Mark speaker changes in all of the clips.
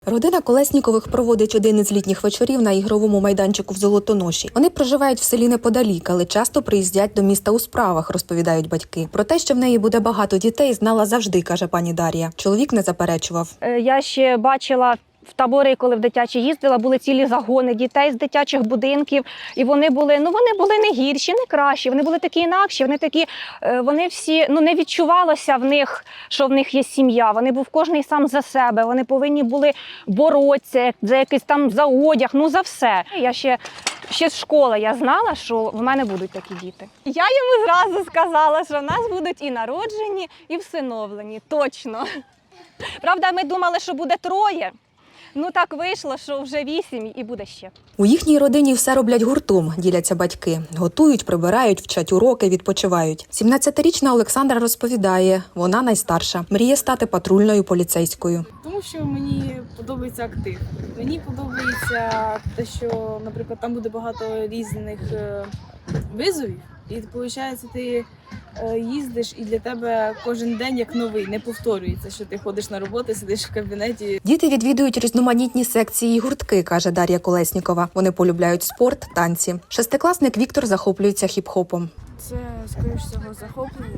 Speaker 1: Родина Колеснікових проводить один із літніх вечорів на ігровому майданчику в Золотоноші. Вони проживають в селі неподалік, але часто приїздять до міста у справах, розповідають батьки. Про те, що в неї буде багато дітей, знала завжди, каже пані Дар'я. Чоловік не заперечував.
Speaker 2: Я ще бачила в табори, коли в дитячі їздила, були цілі загони дітей з дитячих будинків. І вони були не гірші, не кращі, вони були такі інакші, вони всі, не відчувалося в них, що в них є сім'я. Вони був кожний сам за себе, вони повинні були боротися за якийсь там за одяг, за все. Я ще з школи я знала, що в мене будуть такі діти. Я йому зразу сказала, що в нас будуть і народжені, і всиновлені, точно. Правда, ми думали, що буде 3. Так вийшло, що вже 8 і буде ще.
Speaker 1: У їхній родині все роблять гуртом, діляться батьки. Готують, прибирають, вчать уроки, відпочивають. 17-річна Олександра розповідає, вона найстарша. Мріє стати патрульною поліцейською.
Speaker 3: Тому що мені подобається актив. Мені подобається те, що, наприклад, там буде багато різних визовів. І, виходить, ти їздиш і для тебе кожен день як новий, не повторюється, що ти ходиш на роботу, сидиш в кабінеті.
Speaker 1: Діти відвідують різноманітні секції і гуртки, каже Дар'я Колеснікова. Вони полюбляють спорт, танці. Шестикласник Віктор захоплюється хіп-хопом.
Speaker 4: Це, скоріш всього, захоплення.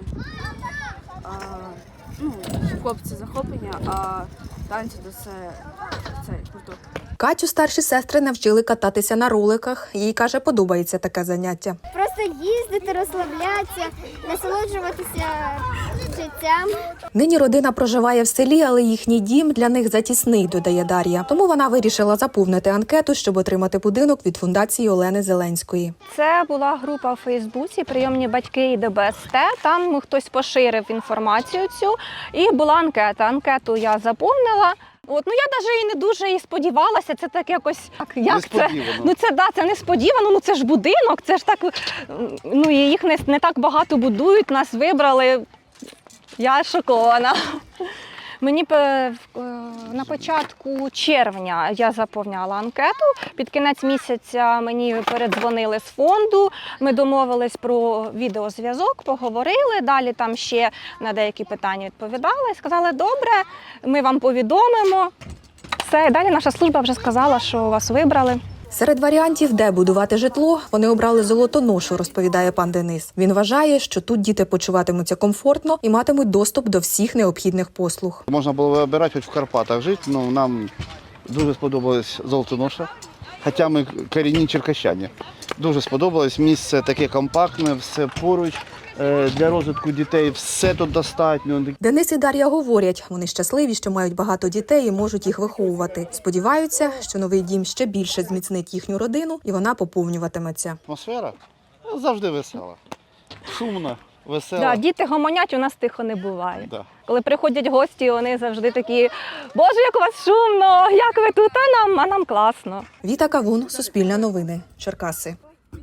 Speaker 4: Хіп-хоп – це захоплення, а танці – це гурток.
Speaker 1: Катю старші сестри навчили кататися на роликах. Їй, каже, подобається таке заняття.
Speaker 5: Просто їздити, розслаблятися, насолоджуватися життям.
Speaker 1: Нині родина проживає в селі, але їхній дім для них затісний, додає Дар'я. Тому вона вирішила заповнити анкету, щоб отримати будинок від фундації Олени Зеленської.
Speaker 2: Це була група в Фейсбуці «Прийомні батьки і ДБСТ». Там хтось поширив інформацію цю і була анкета. Анкету я заповнила. Я навіть і не дуже і сподівалася, це так якось, як це? Це несподівано, це ж будинок, це ж так, і їх не так багато будують, нас вибрали, я шокована. Мені на початку червня я заповняла анкету, під кінець місяця мені передзвонили з фонду, ми домовились про відеозв'язок, поговорили, далі там ще на деякі питання відповідали, сказали, добре, ми вам повідомимо. Все, далі наша служба вже сказала, що вас вибрали.
Speaker 1: Серед варіантів, де будувати житло, вони обрали Золотоношу, розповідає пан Денис. Він вважає, що тут діти почуватимуться комфортно і матимуть доступ до всіх необхідних послуг.
Speaker 6: Можна було вибирати хоч в Карпатах жити, але нам дуже сподобалась Золотоноша, хоча ми корінні черкащані. Дуже сподобалось, місце таке компактне, все поруч. Для розвитку дітей все тут достатньо.
Speaker 1: Денис і Дар'я говорять, вони щасливі, що мають багато дітей і можуть їх виховувати. Сподіваються, що новий дім ще більше зміцнить їхню родину і вона поповнюватиметься.
Speaker 6: Атмосфера завжди весела, шумна, весела.
Speaker 2: Діти гомонять, у нас тихо не буває.
Speaker 6: Да.
Speaker 2: Коли приходять гості, вони завжди такі, Боже, як у вас шумно, як ви тут, а нам класно.
Speaker 1: Віта Кавун, Суспільне новини, Черкаси.